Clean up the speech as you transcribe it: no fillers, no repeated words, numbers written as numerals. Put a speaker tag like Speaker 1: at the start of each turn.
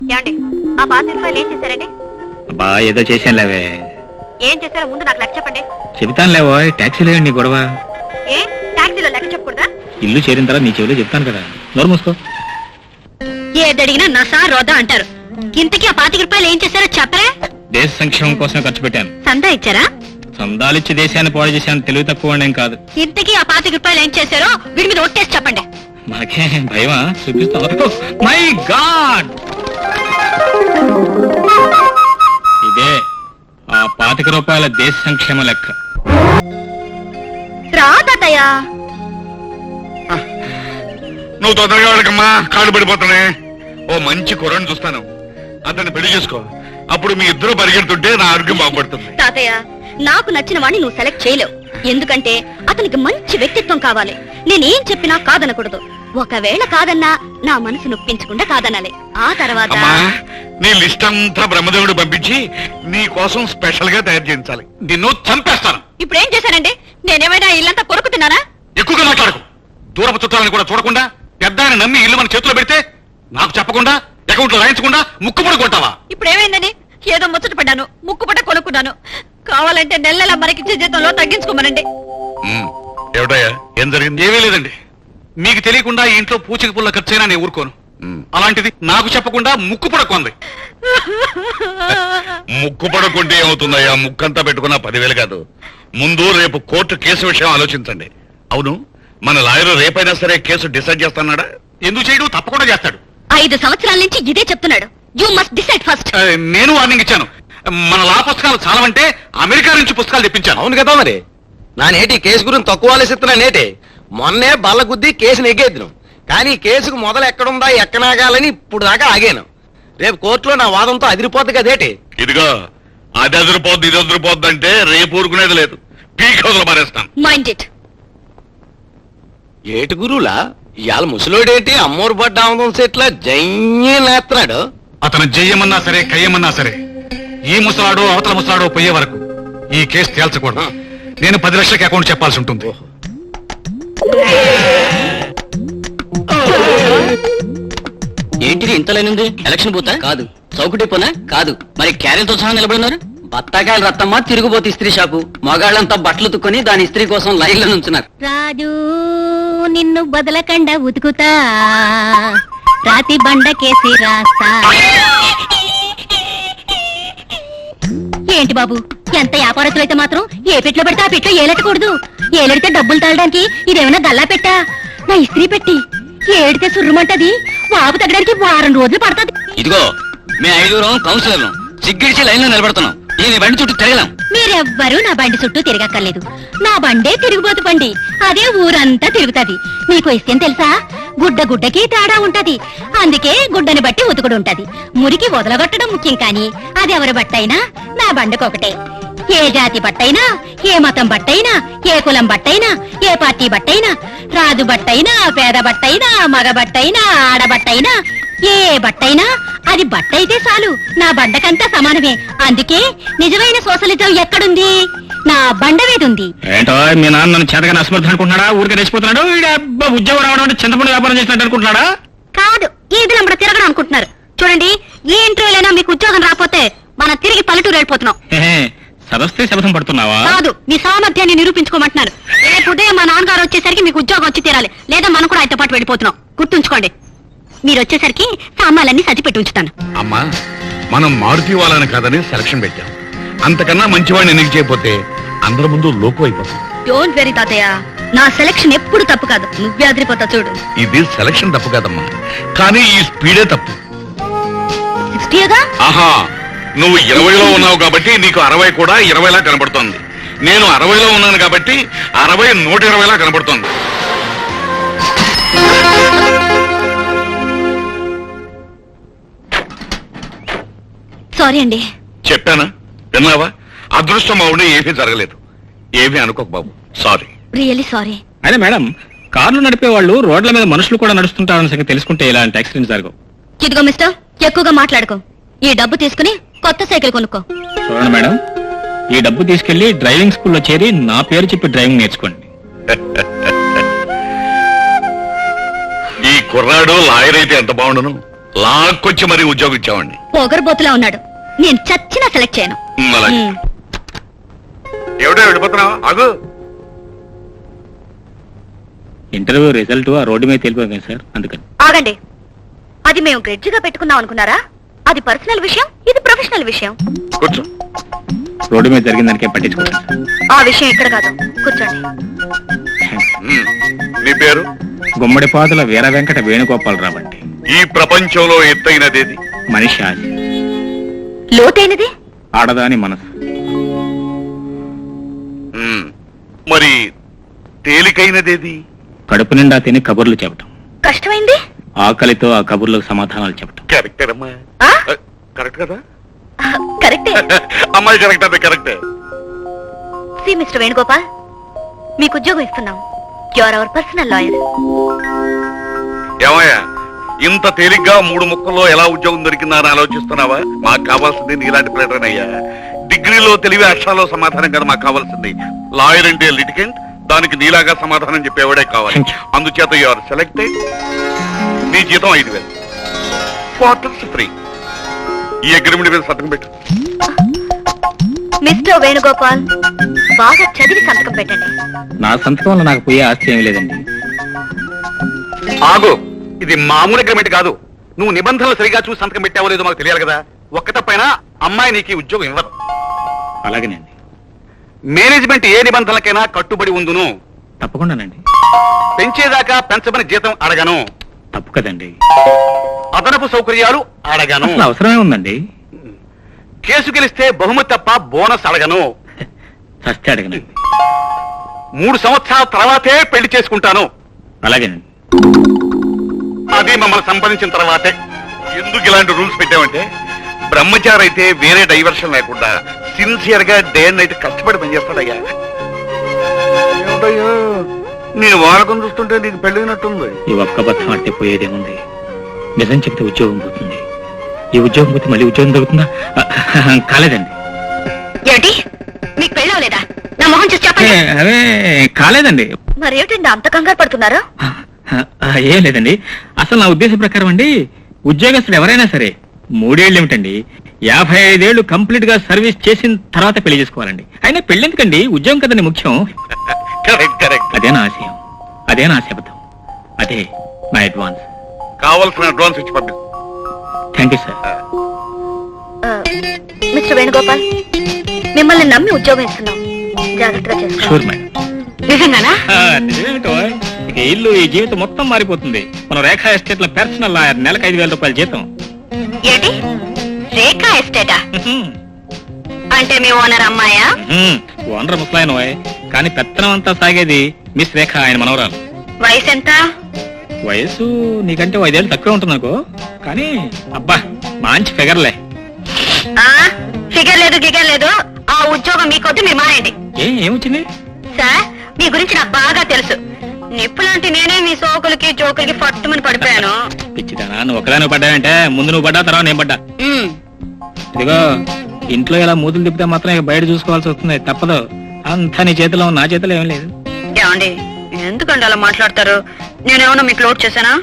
Speaker 1: ఏమండి ఆ 5 రూపాయలు ఏం చేశారండి?
Speaker 2: అబ్బా ఏదో చేశానులేవే.
Speaker 1: ఏం చేశారో ముందు నాకు లెక్క చెప్పండి.
Speaker 2: చెబుతానులేవో, టాక్సీలో నీ గొడవ.
Speaker 1: ఏ టాక్సీలో లెక్క చెప్పకూడదా?
Speaker 2: ఇల్లు చేరిన తర్వాత నీ చెవిలో చెప్తాను కదా, నోరు మూసుకో.
Speaker 1: ఏదడిగినా నసా రోదా అంటారు. ఇంతకీ ఆ 5 రూపాయలు ఏం చేశారో చెప్పరా?
Speaker 2: దేశ సంక్షేమం కోసమే ఖర్చు పెట్టాను.
Speaker 1: సందా ఇచ్చారా?
Speaker 2: సందాలిచ్చి దేశాన్ని పాడు చేశాను, తెలివి తక్కువ ఏం కాదు.
Speaker 1: ఇంతకీ ఆ 5 రూపాయలు ఏం చేశారో వీడి మీద ఒట్టేసి చెప్పండి.
Speaker 2: మనకే భయమా? చూపిస్తావు. మై గాడ్, ఇదే ఆ 5 రూపాయల దేశ సంక్షేమ లెక్క.
Speaker 1: రా తాతయ్య.
Speaker 3: నువ్వు తొందరగా వెళ్ళకమ్మా, కాళ్ళు పడిపోతానే. ఓ మంచి కుర్రని చూస్తాను, అతన్ని పెళ్లి చేసుకో. అప్పుడు మీ ఇద్దరు పరిగెడుతుంటే నా ఆరోగ్యం బాగుపడుతుంది.
Speaker 1: తాతయ్య, నాకు నచ్చిన వాడిని నువ్వు సెలెక్ట్ చేయలేవు. ఎందుకంటే అతనికి మంచి వ్యక్తిత్వం కావాలి. నేనేం చెప్పినా కాదనకూడదు. ఒకవేళ కాదన్నా నా మనసు నొప్పించకుండా కాదనాలి. ఆ తర్వాత
Speaker 3: నీ లిస్ట్ అంతా బ్రహ్మదేవుడు పంపించి నీ కోసం స్పెషల్ గా తయారు చేయించాలి. నిన్ను చంపేస్తాను.
Speaker 1: ఇప్పుడు ఏం చేశానండి? నేనేమైనా ఇల్లంతా కొరుకుతున్నానా?
Speaker 3: ఎక్కువగా మాట్లాడకు. దూరపు చుట్టాలని కూడా చూడకుండా పెద్ద ఆయన నమ్మి ఇల్లు మన చేతిలో పెడితే నాకు చెప్పకుండా అకౌంట్ లో రాయించకుండా ముక్కుపడి కొంటావా?
Speaker 1: ఇప్పుడు ఏమైందని? ఏదో ముచ్చట పడ్డాను, ముక్కుపట కొనుక్కున్నాను. కావాలంటే నెలల మరికిచ్చే జీతంలో తగ్గించుకోమనండి.
Speaker 3: ఏమిటయ్యా, ఏం జరిగింది? ఏమీ లేదండి. మీకు తెలియకుండా ఈ ఇంట్లో పూచిక పుల్ల ఖర్చైనా నేను ఊరుకోను. అలాంటిది నాకు చెప్పకుండా ముక్కు పడకుంది. ముక్కు పడకుంటే ఏమవుతుందయ్యా? ముక్కంతా పెట్టుకున్న 10,000 కాదు. ముందు రేపు కోర్టు కేసు విషయం ఆలోచించండి. అవును, మన లాయర్ రేపైనా సరే కేసు డిసైడ్ చేస్తున్నాడా? ఎందుకు చేయడు? తప్పకుండా చేస్తాడు.
Speaker 1: 5 సంవత్సరాల నుంచి ఇదే చెప్తున్నాడు. You must decide first.
Speaker 3: నేను వార్నింగ్ ఇచ్చాను. మన లా పుస్తకాలు చాలవంటే అమెరికా నుంచి పుస్తకాలు తెప్పించాను.
Speaker 4: అవును కదా మరి. నా నేటి కేసు గురించి తక్కువ ఆలోచిస్తున్నా నేటి. మొన్నే బల్ల గుద్ది కేసును ఎగ్గేద్దును. కానీ కేసుకు మొదలు ఎక్కడుందా ఎక్కనాగాలని ఇప్పుడు దాకా ఆగాను. రేపు కోర్టులో నా వాదంతో అదిరిపోద్ది కదేటి.
Speaker 3: ఇదిగో, అది అదిరిపోద్ది ఇది అదిరిపోద్ది అంటే రేపు ఊరుకునేది లేదు. పీక్ హౌస్ లో మారేస్తాను.
Speaker 1: Mind it.
Speaker 4: ఏటి గురువులా ఇవాళ ముసలోడేంటి అమ్మోరు పడ్డ ఆముదం సెట్ల జయ్యే నేస్తున్నాడు.
Speaker 3: అతను జయ్యమన్నా సరే కయ్యమన్నా సరే ఈ ముసలాడో అవతల ముసలాడో పోయే వరకు ఈ కేసు తేల్చకూడదు. నేను 10 లక్షలకి అకౌంట్ చెప్పాల్సి ఉంటుంది.
Speaker 5: ఏంటిది ఇంతలేనుంది? ఎలక్షన్ బూతా కాదు, చౌకటి పోనా కాదు, మరి క్యారెల్తో సహా నిలబడినారు. బత్తాకాయలు రత్తమ్మ తిరుగుబోతు ఇస్త్రీ షాపు. మగాళ్ళంతా బట్టలు తుక్కొని దాని ఇస్త్రీ కోసం లైన్లో నుంచున్నారు.
Speaker 1: రాజు నిన్ను బదలకండ ఉతుకుతా, రాతి బండ కేసి రాస్తా. ఏంటి బాబు, ఎంత వ్యాపారస్తులు అయితే మాత్రం ఏ పెట్లో పెడితే ఆ పెట్లో ఏలెట్టకూడదు. ఏలెడితే డబ్బులు తాగడానికి ఇదేమైనా గల్లా పెట్టా? నా ఇస్త్రీ పెట్టి ఏడితే సుర్రుమంటది. వాపు తగ్గడానికి 1 వారం రోజులు పడుతుంది.
Speaker 5: ఇదిగో, మేము 5 కౌన్సిలర్లు సిగ్గిడిచి లైన్ లో నిలబడుతున్నాం. నేను బండి చుట్టూ తిరగలేం.
Speaker 1: మీరెవ్వరూ నా బండి చుట్టూ తిరగక్కర్లేదు. నా బండే తిరిగిపోతు బండి. అదే ఊరంతా తిరుగుతది. మీకు విషయం తెలుసా? గుడ్డకి తేడా ఉంటది. అందుకే గుడ్డని బట్టి ఉతుకుడు ఉంటది. మురికి వదలగొట్టడం ముఖ్యం, కానీ అది ఎవరి బట్టైనా నా బండకొకటే. ఏ జాతి బట్టైనా, ఏ మతం బట్టైనా, ఏ కులం బట్టైనా, ఏ పార్టీ బట్టైనా, రాజు బట్టైనా, పేద బట్టైనా, మగ బట్టైనా, ఆడబట్టైనా, ఏ బట్టైనా అది బట్టయితే చాలు. నా బండకంతా సమానమే. అందుకే నిజమైన సోషలిజం ఎక్కడుంది? నా బండ మీద ఉంది.
Speaker 2: ఏంటో మీ నాన్న నన్ను చేతగా అసమర్థం అనుకుంటున్నాడా? ఊరికే రెచ్చిపోతున్నాడు. ఉద్యోగం రావడం అంటే చింతపండు వ్యాపారం చేసినట్టు అనుకుంటున్నాడా?
Speaker 1: కాదు, ఈది నంబడ తిరగడం అనుకుంటున్నారు. చూడండి, ఏ ఇంటర్వ్యూలైనా మీకు ఉద్యోగం రాకపోతే మనం తిరిగి పల్లెటూరు వెళ్ళిపోతున్నాం.
Speaker 2: సదస్తే శపథం పడుతున్నావా?
Speaker 1: కాదు, మీ సామర్థ్యాన్ని నిరూపించుకోమంటున్నారు. రేపు ఉదయం మా నాన్నగారు వచ్చేసరికి మీకు ఉద్యోగం వచ్చి తీరాలి. లేదా మనం కూడా ఆయనతో పాటు వెళ్ళిపోతున్నాం. గుర్తుంచుకోండి. మీరు వచ్చేసరికి సామాన్లన్నీ సర్ది పెట్టి ఉంచుతాను.
Speaker 3: అమ్మా, మనం మారుతి వాళ్ళని కాదని సెలక్షన్ పెట్టాం. అంతకన్నా మంచివాడిని ఎన్నిక చేయకపోతే అందరి ముందు లోకు అయిపోతాం.
Speaker 1: డోంట్ వెరీ తాతయ్య, నా సెలక్షన్ ఎప్పుడు తప్పు కాదు. నువ్వే అదిరిపోతా చూడు.
Speaker 3: ఇది సెలక్షన్ తప్పు కాదమ్మా, కానీ ఈ స్పీడే తప్పు.
Speaker 1: 60గా?
Speaker 3: ఆహా, నువ్వు 20లో ఉన్నావు కాబట్టి నీకు 60 కూడా 20లా కనబడుతోంది. నేను 60లో ఉన్నాను కాబట్టి 60 120లా కనబడుతోంది.
Speaker 1: సారీ అండి.
Speaker 3: చెప్పానా? విన్నావా? అదృష్టం అవునే ఏమీ జరగలేదు. ఏమీ అనుకోకు బాబు, సారీ.
Speaker 1: Really sorry.
Speaker 2: అదే మేడం, కార్లు నడిపే వాళ్ళు రోడ్ల మీద మనుషులు కూడా నడుస్తుంటారని సంగతి తెలుసుకుంటే ఇలాంటి యాక్సిడెంట్స్ జరగవు.
Speaker 1: ఇదిగో మిస్టర్, ఎక్కువగా మాట్లాడుకో. ఈ డబ్బు తీసుకుని కొత్త సైకిల్ కొనుక్కో.
Speaker 2: చూడండి మేడం, ఈ డబ్బు తీసుకెళ్లి డ్రైవింగ్ స్కూల్లో చేరి నా పేరు చెప్పి డ్రైవింగ్ నేర్చుకోండి.
Speaker 3: ఈ కుర్రాడు లాయర్ అయితే ఎంత బాగుండును. లాక్కొచ్చి మరీ ఉద్యోగం ఇచ్చామండి.
Speaker 1: పొగరబోతులా ఉన్నాడు. నేను చచ్చినా సెలెక్ట్ చేయను.
Speaker 3: అలాగే.
Speaker 1: ఉమ్.
Speaker 3: ఏమిటో వెళ్ళిపోతున్నావు? ఆగు.
Speaker 2: ఇంటర్వ్యూ రిజల్ట్ ఆ రోడ్డు మీద తెలిపోయింది సార్, అందుకని.
Speaker 1: ఆగండి. అది మేము గ్రెడ్జిగా పెట్టుకున్నాం అనుకున్నారా? అది పర్సనల్ విషయం, ఇది ప్రొఫెషనల్ విషయం.
Speaker 3: కూర్చో.
Speaker 2: రోడ్డు మీద జరిగిన దానికేం పట్టించుకోండి సార్.
Speaker 1: ఆ విషయం ఇక్కడ కాదు, కూర్చోండి.
Speaker 3: ఉమ్. నీ పేరు?
Speaker 2: గుమ్మడిపాదుల వీర వెంకట వేణుగోపాలరావు అండి.
Speaker 3: ఈ ప్రపంచంలో ఎత్తైనదేది?
Speaker 2: మనిషి ఆశ,
Speaker 1: లోతైనది
Speaker 2: ఆడదాని మనసు.
Speaker 3: ఉమ్. మరి తేలికైనదేది?
Speaker 2: కడుపు నిండా తిని కబుర్లు చెప్పటం.
Speaker 1: కష్టమైంది
Speaker 2: ఆకలితో ఆ కబుర్లకు సమాధానాలు చెప్పటం.
Speaker 3: కరెక్టేనమ్మా.
Speaker 1: ఆ?
Speaker 3: కరెక్ట్ కదా?
Speaker 1: కరెక్టే.
Speaker 3: అమ్మాయి కరెక్ట్, అదే కరెక్టే.
Speaker 1: సి మిస్టర్ వేణుగోపాల్, మీకు ఉద్యోగం ఇస్తున్నాం. You are our personal lawyer.
Speaker 3: ఏమయ్యా, ఇంత తేలిగ్గా 3 ముక్కల్లో ఎలా ఉద్యోగం దొరికిందా అని ఆలోచిస్తున్నావా? మాకు కావాల్సింది నీలాంటి ప్లేటర్ అయ్యా. డిగ్రీలో తెలివి అక్షరాల్లో సమాధానం కదా మాకు కావాల్సింది. లాయర్ అంటే లిటికెంట్, దానికి నీలాగా సమాధానం చెప్పేవాడే కావాలి. అందుచేత యు ఆర్ సెలెక్టెడ్. నీ జీతం 5,000, క్వార్టర్స్ ఫ్రీ. ఈ అగ్రిమెంట్ మీద సంతకం పెట్టు.
Speaker 1: మిస్టర్ వేణుగోపాల్, బాగా చదివి సంతకం పెట్టండి.
Speaker 2: నా సంతకం వల్ల నాకు పోయే ఆస్తి ఏమీ లేదండి.
Speaker 4: ఆగు, ఇది మామూలు అగ్రిమెంట్ కాదు. నువ్వు నిబంధనలు సరిగా చూసి సంతకం పెట్టావో లేదో మాకు తెలియాలి కదా. ఒక్క తప్పైనా అమ్మాయి నీకు ఈ ఉద్యోగం ఇవ్వదు.
Speaker 2: అలాగేనండి.
Speaker 4: మేనేజ్మెంట్ ఏ నిబంధనలకైనా కట్టుబడి ఉందును.
Speaker 2: తప్పకుండానండి.
Speaker 4: పెంచేదాకా పెంచమని జీతం అడగను.
Speaker 2: తప్పు కదండి.
Speaker 4: అదనపు సౌకర్యాలు అడగను.
Speaker 2: అసలు అవసరమే ఉందండి.
Speaker 4: కేసు గెలిస్తే బహుమతి తప్ప బోనస్ అడగను.
Speaker 2: చస్తే అడగనండి.
Speaker 4: 3 సంవత్సరాల తర్వాతే పెళ్లి చేసుకుంటాను.
Speaker 2: అలాగేనండి.
Speaker 4: అది మమ్మల్ని సంపాదించిన తర్వాతే.
Speaker 3: ఎందుకు ఇలాంటి రూల్స్ పెట్టామంటే, బ్రహ్మచారి అయితే వేరే డైవర్షన్ లేకుండా సిన్సియర్ గా డే అండ్ నైట్ కష్టపడి పనిచేస్తాడయ్యా. ఏమిటయ్యా, నేను వాడకం చూస్తుంటే నీకు పెళ్ళైనట్టుంది.
Speaker 2: ఈ ఒక్క బద్దం ఆడితే పోయేదేముంది? నిజం చెప్తే ఉద్యోగం పోతుంది. ఈ ఉద్యోగం పోతే మళ్ళీ ఉద్యోగం దొరుకుతుందా? కాలేదండి.
Speaker 1: ఏమిటి, మీకు పెళ్ళవలేదా? నా మొహం చూసి చెప్పండి.
Speaker 2: అవే కాలేదండి.
Speaker 1: మరి ఏమిటండి అంత కంగారు పడుతున్నారు?
Speaker 2: ఏం లేదండి. అసలు నా ఉద్దేశం ప్రకారం అండి, ఉద్యోగస్తుడు ఎవరైనా సరే 3 ఏళ్ళు ఏమిటండి, 55 ఏళ్ళు కంప్లీట్ గా సర్వీస్ చేసిన తర్వాత పెళ్లి చేసుకోవాలండి. అయినా పెళ్లి ఎందుకండి? ఉద్యోగం కదండి ముఖ్యం.
Speaker 3: Correct correct.
Speaker 2: అదే నా ఆశయం, అదే నా శపథం, అదే నా అడ్వాన్స్.
Speaker 3: కావాల్సిన అడ్వాన్స్ ఇచ్చి పంపిస్తాను.
Speaker 2: Thank you sir.
Speaker 1: Mister Venugopal, మిమ్మల్ని నమ్మి ఉద్యోగం ఇస్తున్నాం. జాగ్రత్తగా చేసుకోండి.
Speaker 2: Sure madam.
Speaker 1: నిజంగానా?
Speaker 2: నిజమేమిటో, ఇక ఇల్లు ఈ జీవితం మొత్తం మారిపోతుంది. మన రేఖా ఎస్టేట్ లో పర్సనల్ లాయర్, నెలకు 5,000 రూపాయల జీతం.
Speaker 1: ఏంటి, రేఖా ఎస్టేటా? అంటే మీ ఓనర్ అమ్మాయా?
Speaker 2: ఓనర్ ముసలాయన, కానీ పెత్తనం అంతా సాగేది మిస్ రేఖ, ఆయన మనవరాలు.
Speaker 1: వయసు ఎంత?
Speaker 2: వయసు నీకంటే 5 ఏళ్ళు తక్కువ ఉంటుంది అనుకో, కానీ అబ్బా మంచి ఫిగర్లే.
Speaker 1: ఫిగర్ లేదు గిగర్ లేదు. ఆ ఉద్యోగం మీకొద్దు, మీరు మానేయండి.
Speaker 2: ఏమొచ్చింది
Speaker 1: సార్, మీ గురించి నాకు బాగా తెలుసు. నిప్పులాంటి నేనే మీ సోకులకి జోకులకి పట్టుమని పడిపోయాను.
Speaker 2: పిచ్చిదానా, నువ్వు ఒకదాని పడ్డావంటే ముందు నువ్వు పడ్డా, తర్వాత నేను పడ్డా.
Speaker 1: ఉమ్.
Speaker 2: ఇదిగో, ఇంట్లో ఇలా మూతులు తిప్పితే మాత్రం ఇక బయట చూసుకోవాల్సి వస్తుంది, తప్పదు. అంతా నీ చేతిలో, నా చేతిలో ఏం లేదు.
Speaker 1: ఏమండి, ఎందుకండి అలా మాట్లాడతారు? నేనేమన్నా మీకు లోడ్ చేశానా?